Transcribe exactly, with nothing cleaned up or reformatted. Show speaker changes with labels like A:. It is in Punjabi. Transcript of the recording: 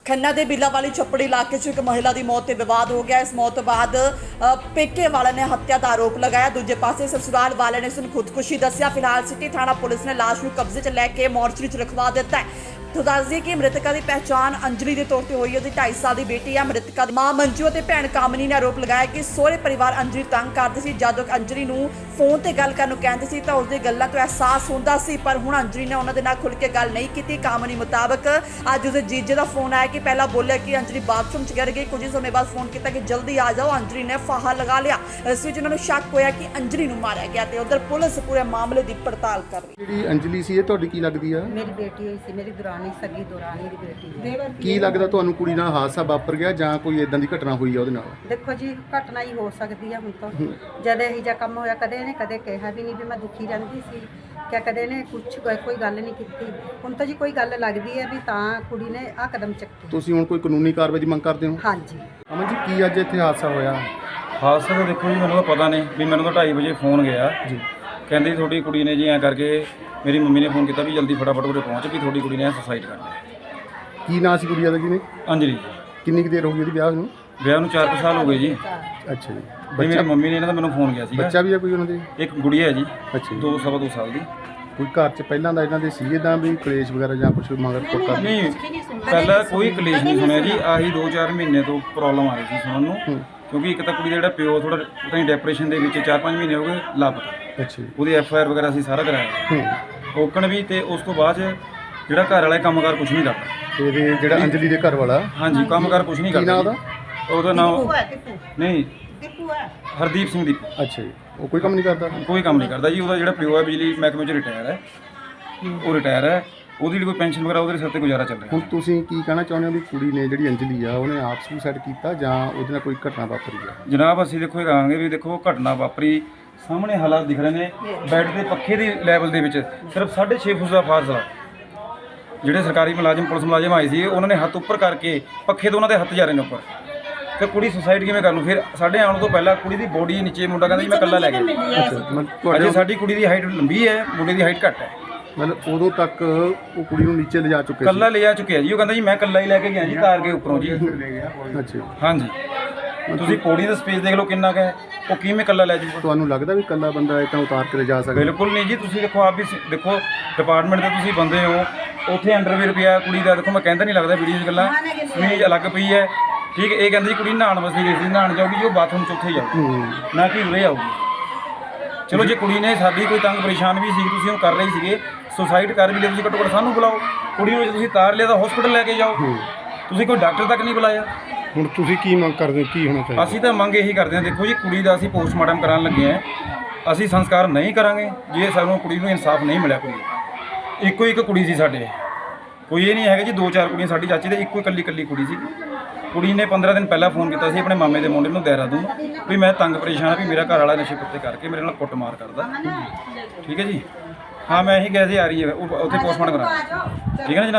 A: खन्ना के बिलावाली छप्पड़ी इलाके च एक महिला की मौत से विवाद हो गया। इस मौत तो बाद अ, पेके वाले ने हत्या का आरोप लगाया। दूजे पासे ससुराल वाले ने इसनूं खुदकुशी दस्सिया। फिलहाल सिटी थाना पुलिस ने लाश नूं कब्जे च लैके मोर्चरी च रखवा दिता है। तो दस दिए कि मृतका की पहचान अंजलि के तौर पर हुई है। ढाई साल की बेटी है। मृतका की मां मंजू और भैन कामनी ने आरोप लगाया कि सोहरे परिवार अंजलि तंग करते सी। जदों अंजलि नूं फोन ते गल करन नूं कहंदे सी तां उसदी गल्लां तो एहसास हुंदा सी, पर हुण अंजलि ने उन्हां दे नाल खुल के गल नहीं की। कामनी मुताबक अज उसके जीजे का फोन आया कि पहला बोलिया कि अंजलि बाथरूम च गिर गई। कुछ ही समय बाद फोन किया कि जल्दी आ जाओ। अंजलि ने फाहा लगा लिया। इस विच उन्हां नूं शक होया कि अंजलि नूं मारिया गया ते उधर पुलिस पूरे मामले की पड़ताल कर रही है।
B: ਜਿਹੜੀ ਅੰਜਲੀ ਸੀ ਇਹ ਤੁਹਾਡੀ ਕੀ ਲੱਗਦੀ ਆ?
C: ਮੇਰੀ ਬੇਟੀ ਹੋਈ ਸੀ, ਮੇਰੀ ਦੁਰਾਨੀ ਸਗੀ ਦੁਰਾਨੀ ਦੀ ਬੇਟੀ ਹੈ।
B: ਕੀ ਲੱਗਦਾ ਤੁਹਾਨੂੰ ਕੁੜੀ ਨਾਲ ਹਾਦਸਾ ਵਾਪਰ ਗਿਆ ਜਾਂ ਕੋਈ ਇਦਾਂ ਦੀ ਘਟਨਾ ਹੋਈ ਆ ਉਹਦੇ ਨਾਲ?
C: ਦੇਖੋ ਜੀ, ਘਟਨਾ ਹੀ ਹੋ ਸਕਦੀ ਆ। ਹੁਣ ਤਾਂ ਜਦ ਇਹੋ ਜਿਹਾ ਕੰਮ ਹੋਇਆ, ਕਦੇ ਇਹਨੇ ਕਦੇ ਕਿਹਾ ਵੀ ਨਹੀਂ ਵੀ ਮੈਂ ਦੁਖੀ ਰਹਿੰਦੀ ਸੀ, ਕਿ ਕਦੇ ਇਹਨੇ ਕੁਛ ਕੋਈ ਗੱਲ ਨਹੀਂ ਕੀਤੀ। ਹੁਣ ਤਾਂ ਜੀ ਕੋਈ ਗੱਲ ਲੱਗਦੀ ਹੈ ਵੀ ਤਾਂ ਕੁੜੀ ਨੇ ਆਹ ਕਦਮ ਚੱਕੀ।
B: ਤੁਸੀਂ ਹੁਣ ਕੋਈ ਕਾਨੂੰਨੀ ਕਾਰਵਾਈ ਦੀ ਮੰਗ ਕਰਦੇ ਹੋ?
C: ਹਾਂਜੀ।
B: ਅਮਨ ਜੀ, ਕੀ ਅੱਜ ਇੱਥੇ ਹਾਦਸਾ ਹੋਇਆ?
D: ਹਾਦਸਾ ਤਾਂ ਦੇਖੋ ਜੀ, ਮੈਨੂੰ ਤਾਂ ਪਤਾ ਨਹੀਂ ਵੀ ਮੈਨੂੰ ਤਾਂ ਢਾਈ ਵਜੇ ਫੋਨ ਗਿਆ
B: ਜੀ,
D: ਕਹਿੰਦੀ ਤੁਹਾਡੀ ਕੁੜੀ ਨੇ ਜੀ ਐਂ ਕਰਕੇ ਮੇਰੀ ਮੰਮੀ ਨੇ ਫੋਨ ਕੀਤਾ ਵੀ ਜਲਦੀ ਫਟਾਫਟ ਉਰੇ ਪਹੁੰਚ ਵੀ ਤੁਹਾਡੀ ਕੁੜੀ ਨੇ ਸੁਸਾਈਡ ਕਰ ਲਿਆ।
B: ਕੀ ਨਾਂ ਸੀ ਕੁੜੀਆ ਦਾ? ਕਿਨੇ?
D: ਅੰਜਲੀ
B: ਕਿੰਨੀ ਕੁ ਦੇਰ ਹੋ ਗਈ ਉਹਦੀ ਵਿਆਹ ਨੂੰ?
D: ਵਿਆਹ ਨੂੰ ਚਾਰ ਕੁ ਸਾਲ ਹੋ ਗਏ ਜੀ।
B: ਅੱਛਾ ਜੀ।
D: ਵੀ ਮੇਰੀ ਮੰਮੀ ਨੇ ਇਹਨਾਂ ਦਾ ਮੈਨੂੰ ਫੋਨ ਗਿਆ ਸੀਗਾ।
B: ਬੱਚਾ ਵੀ ਆ ਕੋਈ ਉਹਨਾਂ ਦੇ?
D: ਇੱਕ ਗੁੜੀਆ ਹੈ ਜੀ,
B: ਅੱਛਾ ਜੀ।
D: ਦੋ ਸਵਾ ਦੋ ਸਾਲ ਦੀ।
B: ਕੋਈ ਘਰ 'ਚ ਪਹਿਲਾਂ ਦਾ ਇਹਨਾਂ ਦੇ ਸੀ ਇਦਾਂ ਵੀ ਕਲੇਸ਼ ਵਗੈਰਾ ਜਾਂ ਕੁਝ ਮਗਰ ਕੋਟਾ?
D: ਨਹੀਂ, ਪਹਿਲਾਂ ਕੋਈ ਕਲੇਸ਼ ਨਹੀਂ ਸੁਣਿਆ ਜੀ। ਆਹੀ ਦੋ ਚਾਰ ਮਹੀਨੇ ਤੋਂ ਪ੍ਰੋਬਲਮ ਆ ਰਹੀ ਸੀ ਸੁਣਨ ਨੂੰ, ਕਿਉਂਕਿ ਇੱਕ ਤਾਂ ਕੁੜੀ ਦਾ ਜਿਹੜਾ ਪਿਓ ਥੋੜਾ ਪਤਾ ਨਹੀਂ ਡਿਪਰੈਸ਼ਨ ਦੇ ਵਿੱਚ ਚਾਰ ਪੰਜ ਮਹੀਨੇ ਹੋ ਗਏ ਲਾਪਤਾ।
B: ਅੱਛਾ ਜੀ।
D: ਉਹਦੀ ਐਫ ਆਈ ਆਰ ਵਗੈਰਾ ਅਸੀਂ ਸਾਰਾ ਕਰਾਇਆ ਓਕਣ ਵੀ, ਤੇ ਉਸ ਤੋਂ ਬਾਅਦ 'ਚ ਜਿਹੜਾ ਘਰ ਵਾਲਾ ਕੰਮਕਾਰ ਕੁਝ ਨਹੀਂ ਕਰਦਾ।
B: ਇਹਦੇ ਜਿਹੜਾ ਅੰਜਲੀ ਦੇ ਘਰ ਵਾਲਾ?
D: ਹਾਂਜੀ, ਕੰਮਕਾਰ ਕੁਝ ਨਹੀਂ
B: ਕੀ ਨਾਂ
D: ਕਰਦਾ।
B: ਉਹਦਾ?
D: ਉਹਦਾ ਨਾਮ ਨਹੀਂ ਹਰਦੀਪ ਸਿੰਘ ਦੀ।
B: ਅੱਛਾ ਜੀ। ਉਹ ਕੋਈ ਕੰਮ ਨਹੀਂ ਕਰਦਾ?
D: ਕੋਈ ਕੰਮ ਨਹੀਂ ਕਰਦਾ ਜੀ। ਉਹਦਾ ਜਿਹੜਾ ਪਿਓ ਹੈ ਬਿਜਲੀ ਮਹਿਕਮੇ 'ਚ ਰਿਟਾਇਰ ਹੈ, ਉਹ ਰਿਟਾਇਰ ਹੈ। ਉਹਦੀ ਜਿਹੜੀ ਕੋਈ ਪੈਨਸ਼ਨ ਵਗੈਰਾ ਉਹਦੇ ਸਿਰ ਤੇ ਗੁਜ਼ਾਰਾ ਚੱਲ ਰਿਹਾ।
B: ਹੁਣ ਤੁਸੀਂ ਕੀ ਕਹਿਣਾ ਚਾਹੁੰਦੇ ਹੋ ਵੀ ਕੁੜੀ ਨੇ ਜਿਹੜੀ ਅੰਜਲੀ ਆ ਉਹਨੇ ਆਪ ਸੁਸਾਈਡ ਕੀਤਾ ਜਾਂ ਉਹਦੇ ਨਾਲ ਕੋਈ ਘਟਨਾ ਵਾਪਰੀ ਆ?
D: ਜਨਾਬ, ਅਸੀਂ ਦੇਖੋ ਇਹ ਕਹਾਂਗੇ ਵੀ ਦੇਖੋ ਘਟਨਾ ਵਾਪਰੀ, ਸਾਹਮਣੇ ਹਾਲਾਤ ਦਿਖ ਰਹੇ ਨੇ। ਬੈੱਡ ਦੇ ਪੱਖੇ ਦੀ ਲੈਵਲ ਦੇ ਵਿੱਚ ਸਿਰਫ ਸਾਢੇ ਛੇ ਫੁੱਟ ਦਾ ਫਾਸਲਾ। ਜਿਹੜੇ ਸਰਕਾਰੀ ਮੁਲਾਜ਼ਮ ਪੁਲਿਸ ਮੁਲਾਜ਼ਮ ਆਏ ਸੀ ਉਹਨਾਂ ਨੇ ਹੱਥ ਉੱਪਰ ਕਰਕੇ ਪੱਖੇ ਤੋਂ ਉਹਨਾਂ ਦੇ ਹੱਥ ਜਾ ਰਹੇ ਨੇ ਉੱਪਰ। ਤੇ ਕੁੜੀ ਸੁਸਾਈਡ ਕਿਵੇਂ ਕਰ ਲੂ? ਫਿਰ ਸਾਡੇ ਆਉਣ ਤੋਂ ਪਹਿਲਾਂ ਕੁੜੀ ਦੀ ਬੋਡੀ ਨੀਚੇ, ਮੁੰਡਾ ਕਹਿੰਦਾ ਜੀ ਮੈਂ ਇਕੱਲਾ ਲੈ ਗਿਆ।
B: ਅੱਛਾ,
D: ਅਜੇ ਸਾਡੀ ਕੁੜੀ ਦੀ ਹਾਈਟ ਲੰਬੀ ਹੈ, ਮੁੰਡੇ ਦੀ ਹਾਈਟ ਘੱਟ ਹੈ।
B: ਮਤਲਬ ਉਦੋਂ ਤੱਕ ਉਹ ਕੁੜੀ ਨੂੰ ਨੀਚੇ ਲਿਜਾ ਚੁੱਕੇ ਸੀ?
D: ਇਕੱਲਾ ਲਿਆ ਚੁੱਕਿਆ ਜੀ। ਉਹ ਕਹਿੰਦਾ ਜੀ ਮੈਂ ਇਕੱਲਾ ਹੀ ਲੈ ਕੇ ਗਿਆ ਜੀ ਤਾਰ ਕੇ ਉੱਪਰੋਂ ਜੀ।
B: ਅੱਛਾ।
D: ਹਾਂਜੀ, ਤੁਸੀਂ ਪੌੜੀ ਦਾ ਸਪੇਸ ਦੇਖ ਲਓ ਕਿੰਨਾ ਕੁ ਹੈ। ਉਹ ਕਿਵੇਂ ਇਕੱਲਾ ਲੈ ਜੂਗਾ?
B: ਤੁਹਾਨੂੰ ਲੱਗਦਾ ਵੀ ਇਕੱਲਾ ਬੰਦਾ ਇਦਾਂ ਉਤਾਰ ਕੇ ਲਿਜਾ ਸਕਦਾ?
D: ਬਿਲਕੁਲ ਨਹੀਂ ਜੀ। ਤੁਸੀਂ ਦੇਖੋ ਆਪ ਵੀ ਸ- ਦੇਖੋ ਡਿਪਾਰਟਮੈਂਟ ਦੇ ਤੁਸੀਂ ਬੰਦੇ ਹੋ। ਉੱਥੇ ਅੰਡਰਵੇਅਰ ਪਿਆ ਕੁੜੀ ਦਾ, ਦੇਖੋ ਮੈਂ ਕਹਿੰਦਾ ਨਹੀਂ ਲੱਗਦਾ ਵੀਡੀਓ 'ਚ ਗੱਲਾਂ ਸਮੀਜ਼ ਅਲੱਗ ਪਈ ਹੈ। ਠੀਕ ਹੈ, ਇਹ ਕਹਿੰਦੀ ਕੁੜੀ ਨਹਾਉਣ ਵਾਸਤੇ ਗਈ ਸੀ, ਨਹਾਉਣ ਜਾਊਗੀ ਉਹ ਬਾਥਰੂਮ 'ਚ ਉੱਥੇ ਜਾਊਗੀ, ਨਾ ਕਿ ਉਰੇ ਆਊਗੀ। ਚਲੋ ਜੇ ਕੁੜੀ ਨੇ ਸਾਡੀ ਕੋਈ ਤੰਗ ਪਰੇਸ਼ਾਨ ਵੀ ਸੀ, ਤੁਸੀਂ ਉਹ ਕਰ ਰਹੇ ਸੀਗੇ, ਸੁਸਾਈਡ ਕਰ ਵੀ ਲਿਆ, ਤੁਸੀਂ ਘੱਟੋ ਘੱਟ ਸਾਨੂੰ ਬੁਲਾਓ। ਕੁੜੀ ਨੂੰ ਜੇ ਤੁਸੀਂ ਤਾਰ ਲਿਆ ਤਾਂ ਹਸਪੀਟਲ ਲੈ ਕੇ ਜਾਓ। ਤੁਸੀਂ ਕੋਈ ਡਾਕਟਰ ਤੱਕ ਨਹੀਂ ਬੁਲਾਇਆ।
B: ਹੁਣ ਤੁਸੀਂ ਕੀ ਮੰਗ ਕਰਦੇ ਹੋ, ਕੀ ਹੋਣਾ ਚਾਹੀਦਾ?
D: ਅਸੀਂ ਤਾਂ ਮੰਗ ਇਹੀ ਕਰਦੇ ਹਾਂ, ਦੇਖੋ ਜੀ ਕੁੜੀ ਦਾ ਅਸੀਂ ਪੋਸਟਮਾਰਟਮ ਕਰਾਉਣ ਲੱਗੇ ਹਾਂ। ਅਸੀਂ ਸੰਸਕਾਰ ਨਹੀਂ ਕਰਾਂਗੇ ਜੇ ਸਾਨੂੰ ਕੁੜੀ ਨੂੰ ਇਨਸਾਫ ਨਹੀਂ ਮਿਲਿਆ। ਕੁੜੀ ਇੱਕੋ ਇੱਕ ਕੁੜੀ ਸੀ ਸਾਡੇ, ਕੋਈ ਇਹ ਨਹੀਂ ਹੈਗਾ ਜੀ ਦੋ ਚਾਰ ਕੁੜੀਆਂ। ਸਾਡੀ ਚਾਚੀ ਦੇ ਇੱਕੋ ਇਕੱਲੀ ਇਕੱਲੀ ਕੁੜੀ ਸੀ। ਕੁੜੀ ਨੇ ਪੰਦਰਾਂ ਦਿਨ ਪਹਿਲਾਂ ਫੋਨ ਕੀਤਾ ਸੀ ਆਪਣੇ ਮਾਮੇ ਦੇ ਮੁੰਡੇ ਨੂੰ ਦੇਹਰਾਦੂਨ ਵੀ ਮੈਂ ਤੰਗ ਪਰੇਸ਼ਾਨ ਆ ਵੀ ਮੇਰਾ ਘਰ ਵਾਲਾ ਨਸ਼ੇ ਪੱਤੇ ਕਰਕੇ ਮੇਰੇ ਨਾਲ ਕੁੱਟਮਾਰ ਕਰਦਾ। ਠੀਕ ਹੈ ਜੀ। ਹਾਂ, ਮੈਂ ਇਹੀ ਕਿਹਾ ਸੀ ਆ ਰਹੀ ਹੈ ਉੱਥੇ ਪੋਸਟਮਾਰਟਮ ਕਰਾ। ਠੀਕ ਹੈ ਨਾ ਜਨਾਬ।